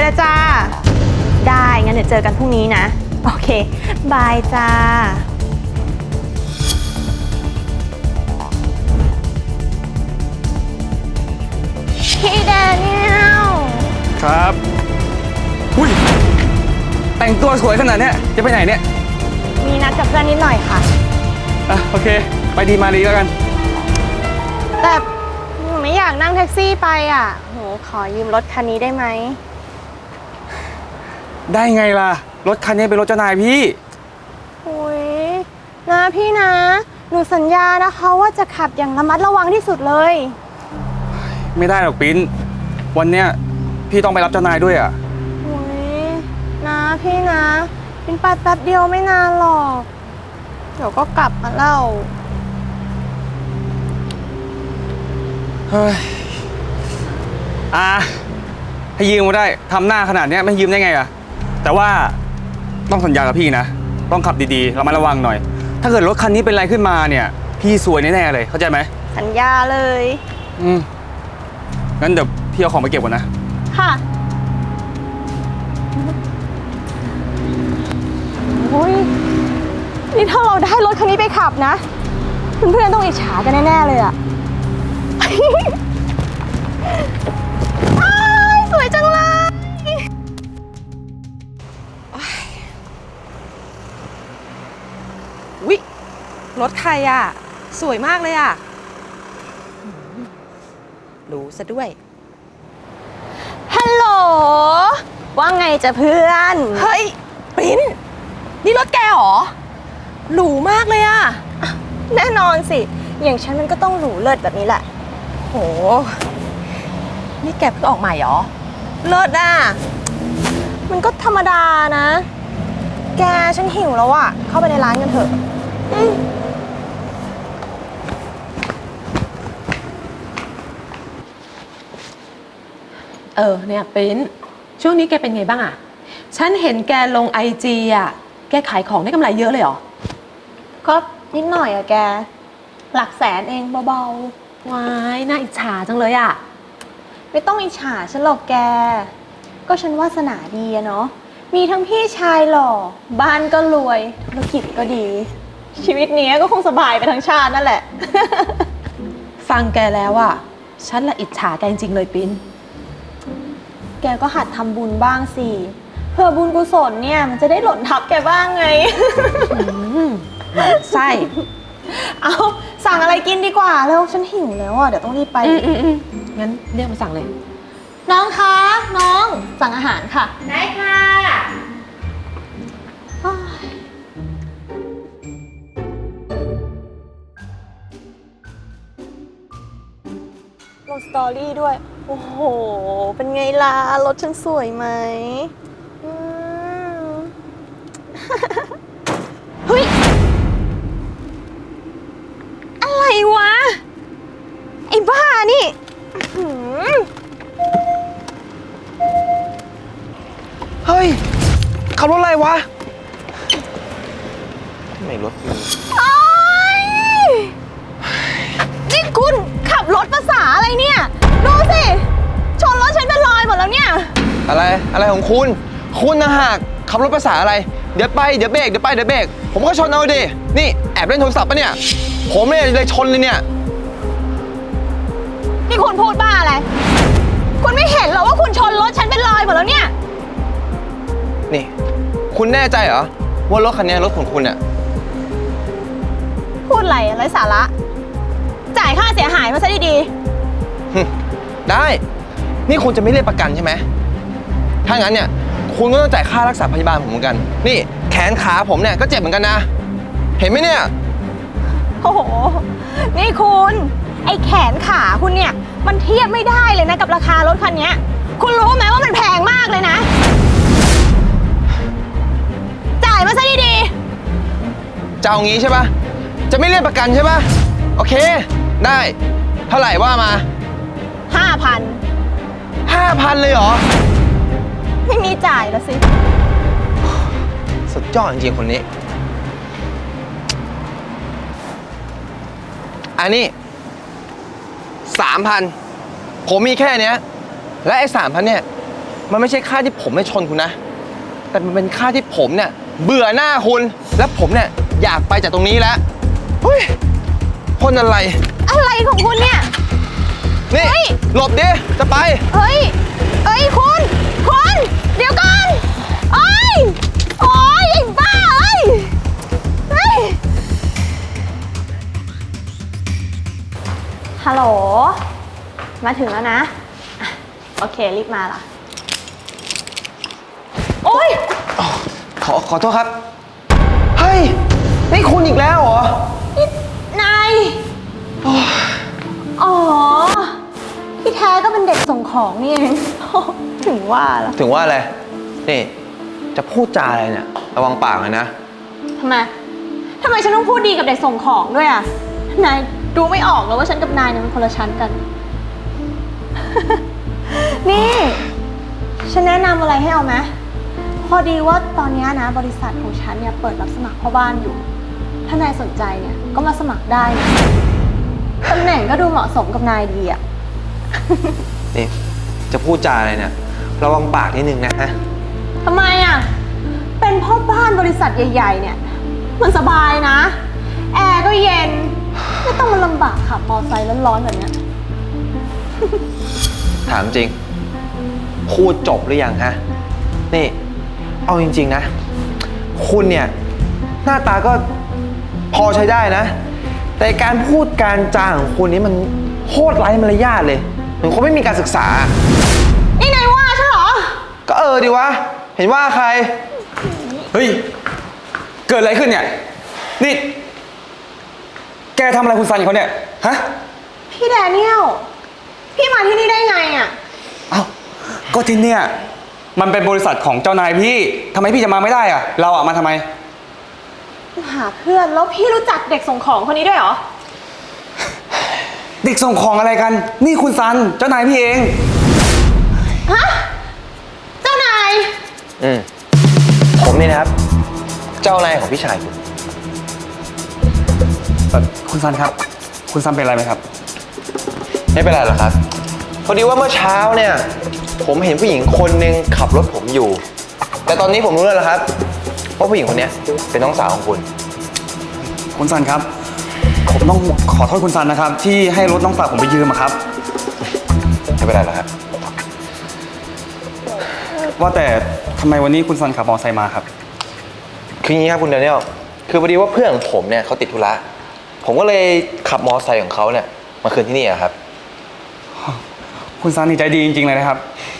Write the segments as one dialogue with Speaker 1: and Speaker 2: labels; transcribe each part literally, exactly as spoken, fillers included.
Speaker 1: เลยจ้าได้งั้นเดี๋ยวเจอกันพรุ่งนี้นะโอเคบายจ้าพี่แดเนียล
Speaker 2: ครับอุ้ยแต่งตัวสวยขนาดเนี้ยจะไปไหนเนี่ย
Speaker 1: มีนัดกับเพื่อนนิดหน่อยค่ะ
Speaker 2: อ่ะโอเคไปดีมาดีแล้วกัน
Speaker 1: แต่หนูไม่อยากนั่งแท็กซี่ไปอ่ะหนูขอยืมรถคันนี้ได้ไหม
Speaker 2: ได้ไงล่ะรถคันนี้เป็นรถเจ้านายพี่
Speaker 1: อุ้ยนะพี่นะหนูสัญญานะคะว่าจะขับอย่างระมัดระวังที่สุดเลย
Speaker 2: ไม่ได้หรอกปิ้นวันเนี้ยพี่ต้องไปรับเจ้านายด้วยอ่ะ
Speaker 1: อุ้ยนะพี่นะเป็นไปแป๊บเดียวไม่นานหรอกเดี๋ยวก็กลับมาเล่า
Speaker 2: เฮ้ยอ่ะให้ยืมมาได้ทำหน้าขนาดนี้ไม่ยืมได้ไงอ่ะแต่ว่าต้องสัญญากับพี่นะต้องขับดีๆระมัดระวังหน่อยถ้าเกิดรถคันนี้เป็นอะไรขึ้นมาเนี่ยพี่ซวยแน่ๆเลยเข้าใจไหม
Speaker 1: สัญญาเลย
Speaker 2: อืมงั้นเดี๋ยวพี่เอาของไปเก็บก่อนนะ
Speaker 1: ค่ะโอ้ยนี่ถ้าเราได้รถคันนี้ไปขับนะเพื่อนๆต้องอิจฉากันแน่ๆเลยอะสวยจังเลย
Speaker 3: อุ๊ยรถใครอ่ะสวยมากเลยอ่ะรู้ซะด้วย
Speaker 1: ฮัลโหลว่าไงจะเพื่อน
Speaker 3: เฮ้ยปิ้นนี่รถแกเหรอหรูมากเลยอ่ะ
Speaker 1: แน่นอนสิอย่างฉันมันก็ต้องหรูเลิศแบบนี้แหละ
Speaker 3: โหนี่แกเพิ่งออกใหม่เหรอเลิศอ่ะ
Speaker 1: มันก็ธรรมดานะแกฉันหิวแล้วอะเข้าไปในร้านกันเถอะ
Speaker 3: เออเนี่ยปิ้นช่วงนี้แกเป็นไงบ้างอ่ะฉันเห็นแกลงไอจีอ่ะแกขายของได้กำไรเยอะเลยเหรอ
Speaker 1: ก็นิดหน่อยอะแกหลักแสนเองเบา
Speaker 3: ๆว้ายน่าอิจฉาจังเลยอ่ะ
Speaker 1: ไม่ต้องอิจฉาฉันหรอกแกก็ฉันวาสนาดีอะเนาะมีทั้งพี่ชายหล่อบ้านก็รวยธุรกิจก็ดีชีวิตนี้ก็คงสบายไปทั้งชาตินั่นแหละ
Speaker 3: ฟังแกแล้วอ่ะฉันละอิจฉาแกจริงๆเลยปิ้น
Speaker 1: แกก็หัดทำบุญบ้างสิเพื่อบุญกุศลเนี่ยมันจะได้หล่นทับแกบ้างไง
Speaker 3: หมั่นไส้
Speaker 1: เอาสั่งอะไรกินดีกว่าแล้วฉันหิวแล้วอ่ะเดี๋ยวต้องรีบไป
Speaker 3: งั้นเรียกมาสั่งเลย
Speaker 1: น้องคะน้องสั่งอาหารค่ะ
Speaker 3: ได้ค่ะ
Speaker 1: ลงสตอรี่ด้วยโอ้โหเป็นไงล่ะรถฉันสวยไหมเฮ้ยอะไรวะไอ้บ้านี่
Speaker 4: เฮ้ยขับรถอะไรวะไม่รถ
Speaker 1: นี่คุณขับรถภาษาอะไรเนี่ยดูสิชนรถฉันเป็นรอยหมดแล้วเนี่ย
Speaker 4: อะไรอะไรของคุณคุณนะหากขับรถภาษาอะไรเดี๋ยวไปเดี๋ยวเบรกเดี๋ยวไปเดี๋ยวเบรกผมก็ชนเอาดินี่แอบเล่นโทรศัพท์ปะเนี่ยผมเนี่ยเลยชนเลยเนี่ย
Speaker 1: นี่คุณพูดบ้าอะไรคุณไม่เห็นหรอว่าคุณชนรถฉันเป็นรอยหมดแล้วเนี่ย
Speaker 4: นี่คุณแน่ใจเหรอว่ารถคันนี้รถของคุณเนี่ย
Speaker 1: พูดอะไรไร้สาระจ่ายค่าเสียหายมาซะดี
Speaker 4: ๆได้นี่คุณจะไม่เรียกประกันใช่ไหมถ้างั้นเนี่ยคุณก็ต้องจ่ายค่ารักษาพยาบาลผมเหมือนกันนี่แขนขาผมเนี่ยก็เจ็บเหมือนกันนะเห็นไหมเนี่ย
Speaker 1: โอ้โหนี่คุณไอ้แขนขาคุณเนี่ยมันเทียบไม่ได้เลยนะกับราคารถคันนี้คุณรู้ไหมว่ามันแพงมากเลยนะจ่ายมาซะดี
Speaker 4: ๆจะเอางี้ใช่ปะจะไม่เรียกประกันใช่ปะโอเคได้เท่าไหร่ว่ามา
Speaker 1: ห้าพัน
Speaker 4: ห้าพันเลยเหรอ
Speaker 1: ไม่มีจ่ายแล้วสิ
Speaker 4: สุดยอดจริงๆคนนี้อันนี้สามพันผมมีแค่เนี้ยและไอ้สามพันเนี่ยมันไม่ใช่ค่าที่ผมไม่ชนคุณนะ แต่มันเป็นค่าที่ผมเนี่ยเบื่อหน้าคุณ และผมเนี่ยอยากไปจากตรงนี้แล้ว เฮ้ยคนอะไร
Speaker 1: อะไรของคุณเนี่ย
Speaker 4: นี่
Speaker 1: เฮ้ย
Speaker 4: หลบดิ จะไป
Speaker 1: เฮ้ย เฮ้ยคุณ คุณ เดี๋ยวก่อนโอ้ยโอ้ยไอ้บ้าเอ้ยเฮ้ย ฮัลโหล มาถึงแล้วนะอ่ะโอเค รีบมาล่ะ โอ้ย
Speaker 4: ขอขอโทษครับ เฮ้ย นี่คุณอีกแล้วเหรอ
Speaker 1: นี่นายอ๋อ ที่แท้ก็เป็นเด็กส่งของนี่เอง ถึงว่าล่ะ
Speaker 4: ถึงว่าอะไร นี่ จะพูดจาอะไรเนี่ย ระวังปากเลยนะ
Speaker 1: ทำไม ทำไมฉันต้องพูดดีกับเด็กส่งของด้วยอ่ะ นายดูไม่ออกเลยว่าฉันกับนายเนี่ยมันคนละชั้นกัน นี่ ฉันแนะนำอะไรให้เอาไหมพอดีว่าตอนนี้นะบริษัทของฉันเนี่ยเปิดรับสมัครพ่อบ้านอยู่ ถ้านายสนใจเนี่ยก็มาสมัครได้นะตำแหน่งก็ดูเหมาะสมกับนายดีอ่ะ
Speaker 4: นี่ จะพูดจาอะไรเนี่ย ระวังปากนิดนึงนะฮะ
Speaker 1: ทำไมอ่ะ เป็นพ่อบ้านบริษัทใหญ่ๆเนี่ย มันสบายนะ แอร์ก็เย็น ไม่ต้องมาลำบากขับมอเตอร์ไซค์ร้อนๆแบบเนี้ย
Speaker 4: ถามจริง พูดจบหรือยังฮะ นี่ เอาจริงๆนะ คุณเนี่ย หน้าตาก็พอใช้ได้นะ แต่การพูดการจาของคุณนี่มันโคตรไร้มารยาทเลยเหมือนคนไม่มีการศึกษา
Speaker 1: นี่นายว่าฉันเหรอ
Speaker 4: ก็เออดีวะ เห็นว่าใคร
Speaker 2: เฮ้ย เกิดอะไรขึ้นเนี่ย นี่ แกทำอะไรคุณซันเขาเนี่ย ฮะ
Speaker 1: พี่แดเนียล พี่มาที่นี่ได้ไงอ่ะ
Speaker 2: เอ้า ก็ที่เนี่ย มันเป็นบริษัทของเจ้านายพี่ ทำไมพี่จะมาไม่ได้อะเราอะมาทำไม
Speaker 1: หาเพื่อนแล้วพี่รู้จักเด็กส่งของคนนี้ด้วยเหรอ
Speaker 2: เด็กส่งของอะไรกัน นี่คุณซัน เจ้านายพี่เอง
Speaker 1: ฮะ เจ้านาย
Speaker 4: อืม ผมนี่นะครับ เจ้านายของพี่ชายคุณ
Speaker 2: คุณซันครับ คุณซันเป็นอะไรไหมครับ
Speaker 4: ไม่เป็นไรหรอกครับ พอดีว่าเมื่อเช้าเนี่ย ผมเห็นผู้หญิงคนหนึ่งขับรถผมอยู่ แต่ตอนนี้ผมรู้แล้วล่ะครับว่าผู้หญิงคนนี้เป็นน้องสาวของคุณ
Speaker 2: คุณซันครับ ผมต้องขอโทษคุณซันนะครับ ที่ให้รถน้องสาวผมไปยืมอะครับ
Speaker 4: ไม่เป็นไรหรอกครับ
Speaker 2: ว่าแต่ทำไมวันนี้คุณซันขับมอเตอร์ไซค์มาครับ
Speaker 4: คืออย่างนี้ครับคุณเดนิเอลคือพอดีว่าเพื่อนของผมเนี่ยเขาติดธุระ ผมก็เลยขับมอเตอร์ไซค์ของเขาเนี่ยมาคืนที่นี่อะครับ
Speaker 2: คุณซันนี่ใจดีจริงๆเลยนะครับ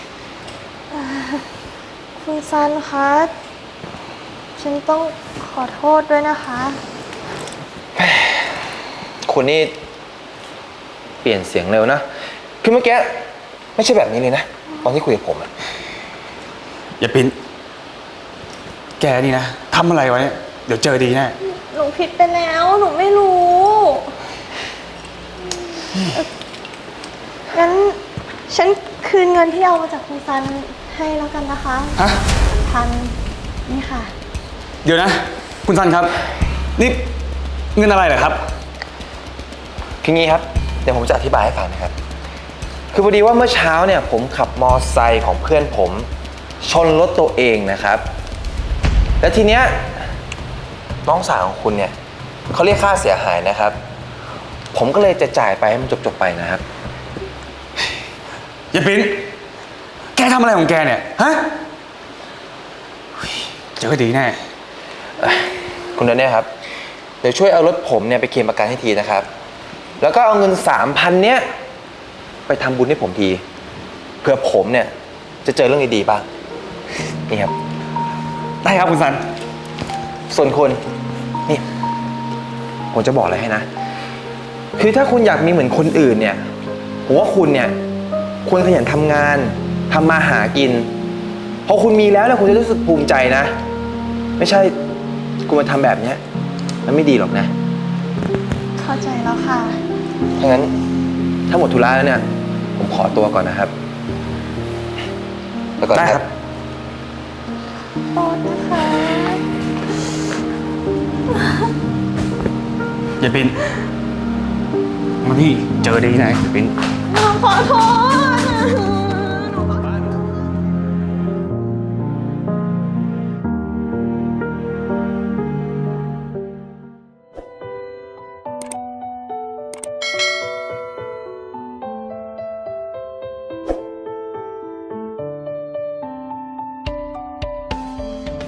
Speaker 1: คุณซันคะ ฉันต้องขอโทษด้วยนะคะ
Speaker 4: คุณนี่เปลี่ยนเสียงเร็วนะ คือเมื่อกี้ไม่ใช่แบบนี้เลยนะ ตอนที่คุยกับผมอะ
Speaker 2: อย่าปิ้น แกนี่นะทำอะไรไว้เดี๋ยวเจอดีแน่
Speaker 1: หนูผิดไปแล้ว หนูไม่รู้เอ่องั้นฉันคืนเงินที่เอามาจากคุณซันให้แล้วกันนะคะ
Speaker 2: ฮะ
Speaker 1: พันนี่ค่ะ
Speaker 2: เดี๋ยวนะ คุณซันครับ นี่เงินอะไรเหรอครับ
Speaker 4: คืองี้ครับ เดี๋ยวผมจะอธิบายให้ฟังนะครับ คือพอดีว่าเมื่อเช้าเนี่ยผมขับมอไซค์ของเพื่อนผม ชนรถตัวเองนะครับ และทีเนี้ยน้องสาวของคุณเนี่ยเขาเรียกค่าเสียหายนะครับ ผมก็เลยจะจ่ายไปให้มันจบๆไปนะครับ
Speaker 2: อย่าปิ้น แกทำอะไรของแกเนี่ย ฮะเฮ้ยเจอดีแน่
Speaker 4: คุณเดนเนี่ยครับ เดี๋ยวช่วยเอารถผมเนี่ยไปเคลมประกันให้ทีนะครับ แล้วก็เอาเงินสามพันเนี้ยไปทำบุญให้ผมที เพื่อผมเนี่ยจะเจอเรื่องดีๆบ้าง นี่ครับ
Speaker 2: ได้ครับคุณซัน
Speaker 4: ส่วนคุณนี่ ผมจะบอกอะไรให้นะ คือถ้าคุณอยากมีเหมือนคนอื่นเนี่ยผมว่าคุณเนี่ยควรขยันทำงานทำมาหากิน พอคุณมีแล้วเนี่ยคุณจะรู้สึกภูมิใจนะ ไม่ใช่คุณมาทำแบบเนี้ยมันไม่ดีหรอกนะ
Speaker 1: เข้าใจแล้วค่ะ
Speaker 4: ถ้างั้นถ้าหมดธุระแล้วเนี่ย ผมขอตัวก่อนนะครับไปก่อน
Speaker 2: ได้
Speaker 4: นะ
Speaker 2: ค
Speaker 4: ค
Speaker 2: รั
Speaker 4: รับ บ
Speaker 1: โทษนะคะ
Speaker 2: อย่าปิ้น มาพี่เจอดีแน่อย่าปิ้น
Speaker 1: ขอโทษ